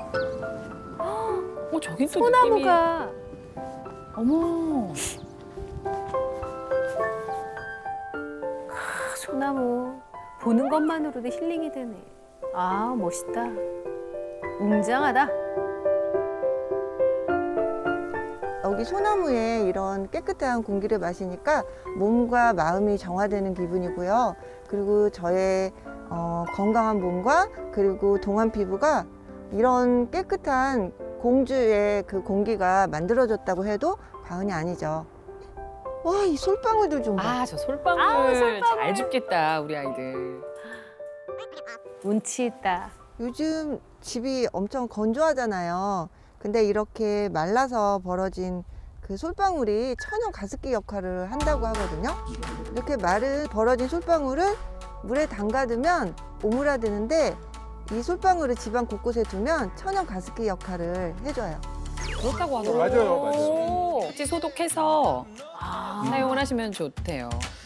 저긴 또 소나무가 어머. 소나무 보는 것만으로도 힐링이 되네. 아 멋있다. 웅장하다. 여기 소나무에 이런 깨끗한 공기를 마시니까 몸과 마음이 정화되는 기분이고요. 그리고 저의 건강한 몸과 그리고 동안 피부가 이런 깨끗한 공주의 그 공기가 만들어졌다고 해도 과언이 아니죠. 와, 이 솔방울들 좀 봐. 아, 저 솔방울, 솔방울. 잘 죽겠다, 우리 아이들. 운치 있다. 요즘 집이 엄청 건조하잖아요. 근데 이렇게 말라서 벌어진 그 솔방울이 천연 가습기 역할을 한다고 하거든요. 이렇게 마른 벌어진 솔방울을 물에 담가두면 오므라드는데 이 솔방울을 집안 곳곳에 두면 천연 가습기 역할을 해줘요. 그렇다고 하더라고요. 맞아요, 맞아요. 같이 소독해서 사용을 하시면 좋대요.